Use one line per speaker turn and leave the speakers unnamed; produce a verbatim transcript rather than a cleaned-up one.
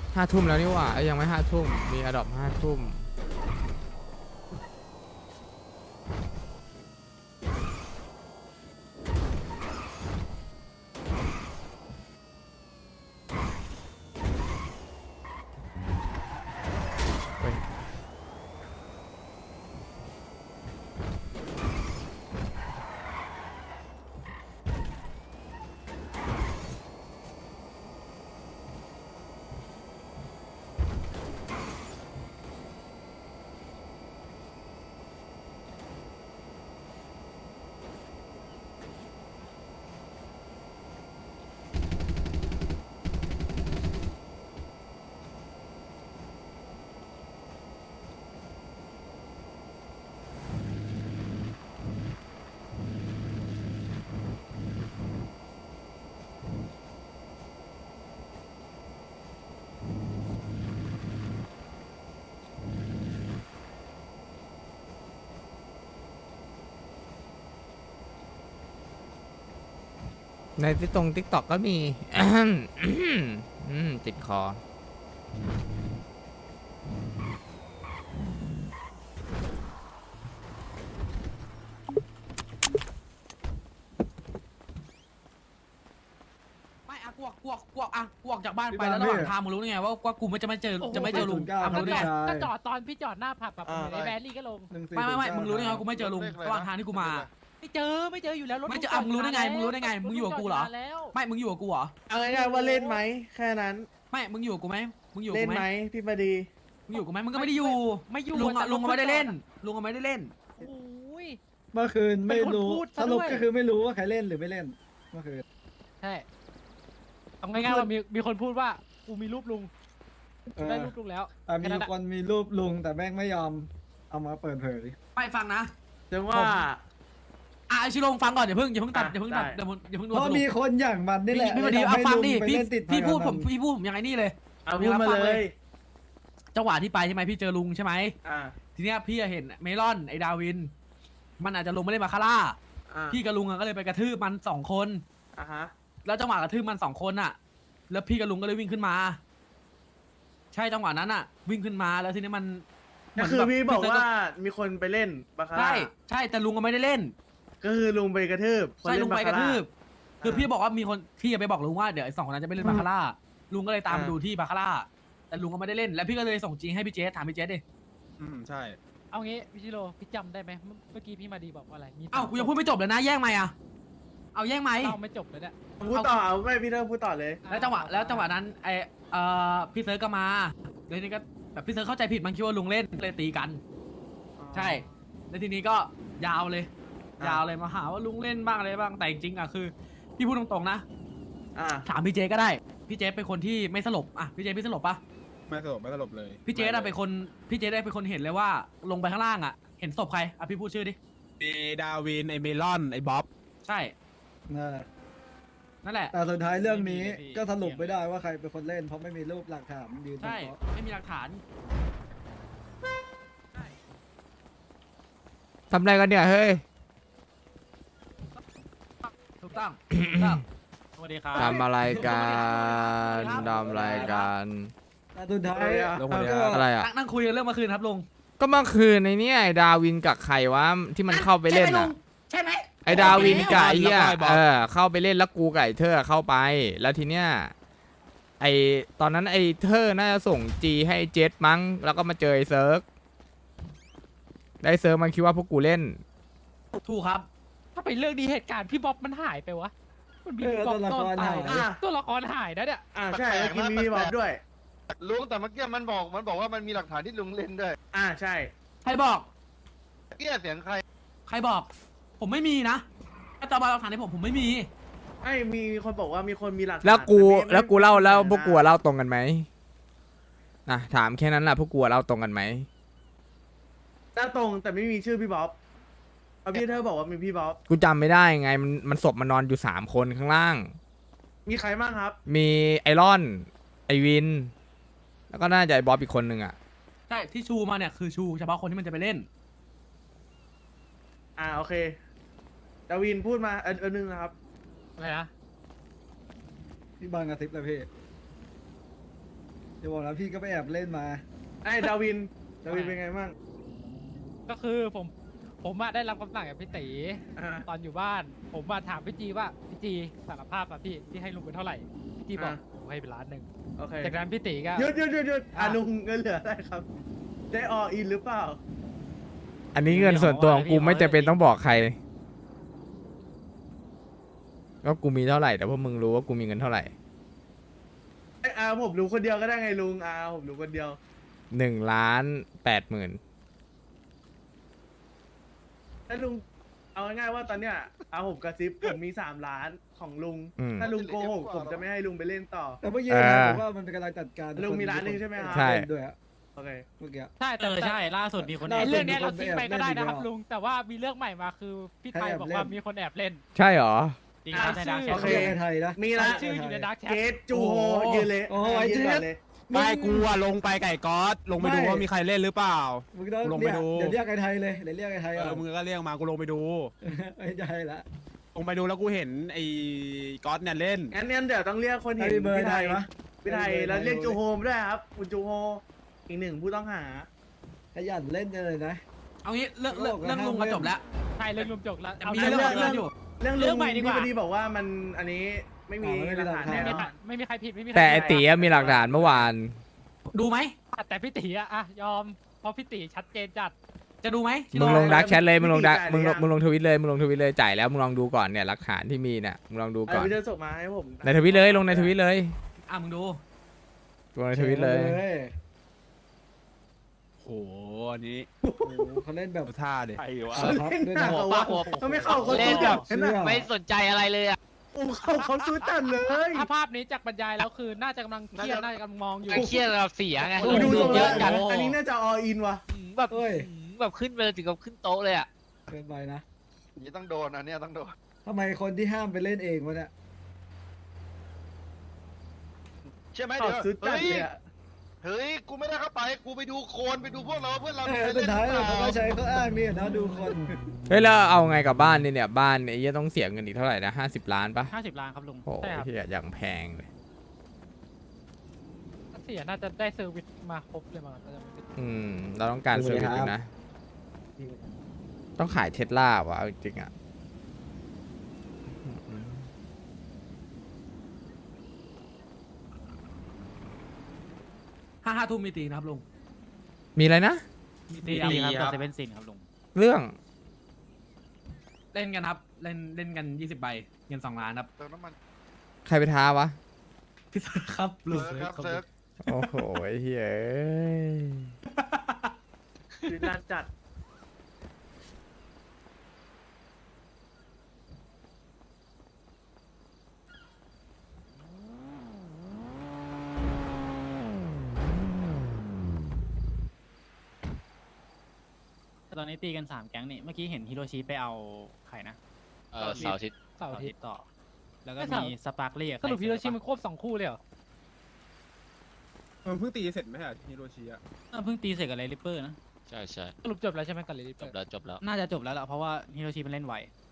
ห้าทุ่มแล้วนี่หว่าเอ้ยยังไม่ห้าทุ่มมีอดอปห้าทุ่มเฮ้ยในที่ตรงทิกตอกก็มีอืมติดคอ
ไม่อะกวกกวกกวกอะกวกจากบ้านไปแล้วระหว่างทางมึงรู้ได้ไงว่าว่ากูไม่จะไม่เจอจะไม่เจอลุงอ่ะมึงรู้ได้ไง
ก็จอดตอนพี่จอดหน้าผับแบบไอ้แบรี่ก็ลง
ไม่ไม่ไม่มึงรู้ได้ไงว่ากูไม่เจอลุงระหว่างทางที่กูมา
ไม่เจอไม่เจออยู่แล้วรถ
ไม่เจออ่ะมึงรู้ได้ไงมึงรู้ได้ไงมึงอยู่กับกูเหรอ ไม่มึงอยู่กับกูเหรอ
เอาง่ายๆว่าเล่นไหมแค่นั้น
ไม่มึงอยู่กับกูไหมมึงอยู่กับ
เล่น
กูไห
ไห
ม
มพี่มาดี
มึงอยู่กับกูไหมมึงก็ไม่ได้อยู่
ไม่อยู่
ลุงอะลุงก็ไม่ได้เล่นลุงก็ไม่ได้เล่น
โอ้ย
เมื่อคืนไม่รู้
เป็นคนพูด
ส
ซะ
รุป
ด้วย
ก็คือไม่รู้ว่าใครเล่นหรือไม่เล่นเมื่อคืน
ใช่เอาง่ายๆว่ามีมีคนพูดว่ากูมีรูปลุง
เออ
ได้รูปลุงแล้ว
แต่มีคนมีรูปลุงแต่แม่งไม่ยอมเอามาเปิดเผย
ไปฟังนะ
จังว่า
อ่ะไอชิโรงฟังก่อนอย่าเพิ่งอย่าเพิ่งตัด
อ่ะ
อย่าเพิ่งตัด
ได้
อย่าเพิ่งอย่าเพิ่งดู
เพราะ
สรุป
มีคนอย่างมันนี่แหละ
พี่มาดี
ทำ
เอา
ให้
ฟัง
ลุ
ดิ
ไป
พี่
เล่นติด
พี่พูด
พ
ผ
นั
ม
น
พี่พูดผมยังไงนี่เลย
เอาพูดมาเลย
จังหวะที่ไปใช่ไหมพี่เจอลุงใช่ไหม
อ่า
ทีเนี้ยพี่เห็นเมลอนไอ้ดาวิน มันอาจจะลงไม่ได้มาคาร่า
อ่า
พี่กับลุงอะก็เลยไปกระทืบมันสองคน
อ่าฮะ
แล้วจังหวะกระทืบมันสองคนอะแล้วพี่กับลุงก็เลยวิ่งขึ้นมา ใช่จังหวะนั้นอะวิ่งขึ้นมาแล้วทีนี้มันเห
ก็
มืน
คือ
แบบ
พี่บอกว่ามีคนไปเล่นบาคาร่า
ใช่ใช่แต่ลุงก็ไม่ได้เล่น
ก็คือลุงไปกระทืบคน
ใช่
เน
ลุงไปกระทืบ
า
คือพี่บอกว่ามีคนพี่จะไปบอกลุงว่าเดี๋ยวไอ้สองคนนั้นจะไปเล่นบาคาร่าลุงก็เลยตาม
อ่า
ดูที่บาคาร่าแต่ลุงก็ไม่ได้เล่นแล้วพี่ก็เลยส่งจีให้พี่เจสถามพี่เจสดิ
อืมใช่
เอางี้พี่ชิโร่พี่จำได้ไหมเมื่อกี้พี่มาดีบอกว่าอะไรมี
เอ้ากูยังพูดไม่จบเลยนะแย่งไหมค์อะเอาแย่งไหมค์
เล่าไม่จบเลยเนี่ย
พูดต่อเอาไม่พี่เริ่มพูดต่อเลย
แล้วจังหวะแล้วจังหวะนั้นไอเอ่อพี่เซิร์ชก็มาแล้วทีนี้ก็แบบพี่เซิร์ชเข้าใจผิดมันคิดว่าลุงเล่นเลยตีกัน ใช่แล้วทีนี้ก็ยาวเลย
อ่ะ
ยาวเลยมาหาว่าลุงเล่นบ้างอะไรบ้างแต่จริงๆอ่ะคือพี่พูดตรงๆนะ
อ่า
ถามพี่เจก็ได้พี่เจเป็นคนที่ไม่สลบอ่ะพี่เจพี่สลบปะ
ไม่สลบไม่สลบเลย
พี่เจอะเป็นคนพี่เจได้เป็นคนเห็นเลยว่าลงไปข้างล่างอ่ะเห็นศพใครอ่ะพี่พูดชื่อดิ
มีดาวิน ไอเมลอน ไอบ๊อบ
ใช่
นั่นแหละ
นั่นแหละ
แต่สุดท้ายเรื่องนี้ก็สรุปไม่ได้ว่าใครเป็นคนเล่นเพราะไม่มีรูปหลักฐานยืนยัน
ใช่
เพราะ
ไม่มีหลักฐาน
ทำอะไรกันเนี่ยเฮ้ย
ถูกต้องถูกต้อง
สวัสดีครับ
ทำอะไรกันทำอะไรกัน
แต่สุดท้าย
ลงมาเลย
ก็
ครับ
อะไรอ่ะ
นั่งนั่งคุยกันเรื่องเมื่อคืนครับลุง
ก็เมื่อคืนในเนี้ยไอ้ดาวินกับใครวะที่มันเข้าไปเล่นอ่ะ
ใช่ไหม
ไอ้ดาวินกับไอ้เหี้ย
แล้วก็ไอ้บ๊อบ
เออเข้าไปเล่นแล้วกูกับไอ้เธอเข้าไป แล้วทีเนี้ยไอ้ตอนนั้นไอ้เธอน่าจะส่งจีให้เจสมั้งแล้วก็มาเจอไอ้เซิร์กได้เซิร์กมันคิดว่าพวกกูเล่น
ถูกครับ
ถ้าเป็นเรื่องนี้เหตุการณ์พี่บ๊อบมันหายไปวะมันมี
เออ
บ๊อบ
ตัวละ
ซ่อน
คร
ตา
หาย ย
อ่า
ตัวละครหายนะเนี่ย
อ่าใช่แล้วกินมีบอกด้วย
ลุงแต่เมื่อกี้มันบอกมันบอกว่ามันมีหลักฐานที่ลุงเล่นด้วย
อ่าใช่
ใครบอก
เกี้ยเสียงใคร
ใครบอก ผมไม่มีนะถ้าตาบาหลักฐานให้ผมผมไม่มี
ไอ้มีคนบอกว่ามีคนมีหลักฐาน
แล้วกู
ต่ไม่
แล้วกูเล่าแล้ว
ไม่
พวกกูเล่าตรงกันไหมอ่ะถามแค่นั้นแหละพวกกูเล่าตรงกันไหม
หน้าตรงแต่ไม่มีชื่อพี่บ๊อบเอาพี่เธอบอกว่ามีพี่บ๊อบ
กูจำไม่ได้ไงมันมันศพมันนอนอยู่สามคนข้างล่าง
มีใครบ้างครับ
มีไอรอน ไอวิน แล้วก็น่าจะไอบ๊อบอีกคนนึงอ่ะ
ใช่ที่ชูมาเนี่ยคือชูเฉพาะคนที่มันจะไปเล่น
อ่าโอเคดาวินพูดมาเอันอันนึงนะครับ
อะไรนะ
ที่บางกระซิบเลยพี่เดี๋ยวบอกแล้วพี่ก็ไปแอบเล่นมา
ไอ้ดาวิน ดาวินเป็นไงบ้าง
ก็คือผมผมอะได้รับคำสั่งจากพี่ตี
อ่า
ตอนอยู่บ้าน ผมมาถามพี่จีว่าพี่จีสารภาพอะพี่ที่ให้ลุงเป็นเท่าไหร่พี่จีบอก
อ่า
ผมให้เป็นล้านหนึ่ง
โอเค
จากนั้นพี่ตีก็
หยุดหยุดหยุดหยุดอ่ะ
อ่ะ
ลุงเงินเหลืออะไรครับ ได้ออินหรือเปล่า
อันนี้เงินส่วนตัวของกูไม่จำเป็นต้องบอกใครก็กูมีเท่าไหร่แต่พวกมึงรู้ว่ากูมีเงินเท่าไหร่
ไอ้อาผมรู้คนเดียวก็ได้ไงลุงอาผมรู้คนเดียว
หนึ่งล้านแปดหมื่น
ถ้าลุงเอาง่ายๆว่าตอนเนี้ยอาผมกระซิบผมมีสามล้านของลุง ถ้าลุงโกหกผมจะไม่ให้ลุงไปเล่นต่อ
แต่เมื่อกี้
อ่า
นะผมว่ามันเป็นกำลังจัดการ
ลุงมีร้านหนึ่งใช่ไหมครับ
ใช่
เล่นด้วยอะ
โอเค
เมื่อกี้
ใช่แต่
เออใช่ล่าสุดมีคน
ล่า
ไอ้
สุ
เรื่องเนี้ยเรา
มีคน
ทิ้งไป
แอบ
ก็ได้
เล่น
นะครับ
อีกแล้ว
ลุงแต่ว่ามีเรื่องใหม่มาคือพี่ไทย
ให้แอบ
บอก
เล่น
ว่ามีคนแอบเล่น
ใช่เหรอ
จริงครับในดาร์กแช
โอ
ท
เค
เรียกในไทยนะ
มีละ
ชื่ออยู่ในดักแชท
เกตจูโฮยืนเลย
โอ้ย
ยืนก่อน
เจ๊
เลย
ไม่กูอะลงไปไก่ก๊อตลงไปดู
ไม่
ว่ามีใครเล่นหรือเปล่า
มึงต้อง
ลงไป
เรียก
ดู
เดี๋ยวเรียกไอ้ไทยเลยเดี๋ยวเรียกไอ้ไทย
เอ
เอา
อมึงก็เรียกมากูลงไปดู
ไม่ใช่ละ
ลงไปดูแล้วกูเห็นไอ้ก๊อตเนี่ยเล่น
งั้นงั้นเดี๋ยวต้องเรียกคน
ไท
เห็
ย
น
เบอร์
พี่
ไท
ไท
ย
ย
วะ
พี่ไทยแล้วเรียกจูโฮมด้วยครับคุณจูโฮอีกหนึ่งผู้ต้องหา
ขยันเล่นจังเลยนะ
เอางี้เรื่องเรื่อง
โลกอะ
เรื่องลุงมา
ห้ามเล่น
จบแล้ว
ใช่เรื่องลุงจบแล้ว
แต่
เอา
มี
เรื่อง
เรื่
ให
อง
ม่
เรื่องอยู่
เรื่องลุ
เรื่อง งใหม่ดีกว่า
พี่พอดีบอกว่ามันอันนี้ไม่มี
อ๋อไม่มี
หลักฐาน
หลักฐาน
แน่
ไม่
น
มี
อน
ไม่มีใครผิดไม่มีใคร
แต่ไอ
ผิด
ตีอะมีหลักฐานเมื่อวาน
ดูไหม
แต่พี่ตีอะอะยอมเพราะพี่ตีชัดเจนจัด
จะดูไหม
มึงลงดักแชทเลยมึงลงดักมึงลงมึงลงทวิตเลยมึงลงทวิตเลยจ่ายแล้วมึงลองดูก่อนเนี่ยหลักฐานที่มีเนี่ยมึงลองดู
เอา
ก่อน
วิดีโอส่งมาให้ผม
ในทวิตเลยลงในทวิตเลย
อ่ะมึงดู
ลงในทวิตเลย
โอ้โหอันนี้
โอ้โหเขาเล่นแบบ
ดูท่าดิ
เขาเล่นหนักเหรอวะเขาไม่เข้าเขา
เล่
สู้
นแบ
จั
บ
ดขนาด
ไม่สนใจอะไรเลยอ่ะ
โอ้เขาเขาสู้จัดเลย
ถ้าภาพนี้จากบรรยายแล้วคือน่าจะกำลังเครียดน่าจะกำลังมองอยู่
เครียดเราเสียไง
โอ้ดู
ล
ทรง
งเย
แล้ว
อะจัด
อันนี้น่าจะออินว่ะ
อืมแบบ
เฮ้ย
อืมแบบขึ้นไปเลยถึงกับขึ้นโต๊ะเลยอ่ะ
เกินไปนะ
อย่างนี้ต้องโดนอันเนี้ยต้องโดน
ทำไมคนที่ห้ามไปเล่นเองวะเนี่ย
ใช่ไหม
เขา
เดี๋ยว
สู้จัด
เฮ้ย
เลยอะ
เฮ้ยกูไม่ได้เข้าไปกูไปดูโคลนไปดูพวกเราเพื่อนเรา
เอ
มี
อ
ใคร
สุด
เล่น
ท้าย
หรือเป
เขาก็
ล่า
ใช้เขาอ้างนี่นะดูคน
เฮ้ยแล้วเอาไงกับบ้านเนี่ยเนี่ยบ้านเนี่ยไอ้เหี้ยต้องเสียเงินอีกเท่าไหร่นะห้าสิบล้านปะ
ห้าสิบล้านครับลุง
โอ้
ใช่ครับ
ยเหี้ยอย่างแพงเลย
เสียน่าจะได้เซอร์วิสมาครบเลยมั้งน่าจะไม่ผิด
อืมเราต้องการเซอร์วิสอยู่นะ ต้องขายเทสลาวะเอาจริงๆอ่ะ
ห้าห้าทุ่มมีตีนะครับลุง
มีอะไรนะ
มี
ดี
ตี
ครับ
ค
กั
รั
บบ เซเว่นซินครับลุง
เรื่อง
เล่นกันครับเล่นเล่นกันยี่สิบใบเงินสองล้านครับ
เติมน้ำมัน
ใครไปท้าวะ
พี่เซิร์ฟครับลุง
เซิร์ฟครับเซิร์ฟ
โอ้โหไอ้เฮ้ยเอ้ย
ชีวิตน่าจัด
ตอนนี้ตีกันสามแก๊งนี่เมื่อกี้เห็นฮิโรชิไปเอาใครนะ
เออเสาร์อาทิตย์
เสาร์อาทิตย์
ต่อ แล้วก็
ไม่เสาร์
มีสปาร์คเรียก
สรุปพี่โรชิมันควบสองคู่เลยเหรอ
มันเพิ่งตีเสร็จไหมอะฮิโรชิอะ
เพิ่งตีเสร็จกับไรลิปเปอร์นะ
ใช่ใช่
สรุปจบแล้วใช่ไหมกับลิลิ
จบแล้วจบแล้ว
น่าจะจบแล้วล่ะเพราะว่าฮิโรชิมันเล่นไว
อ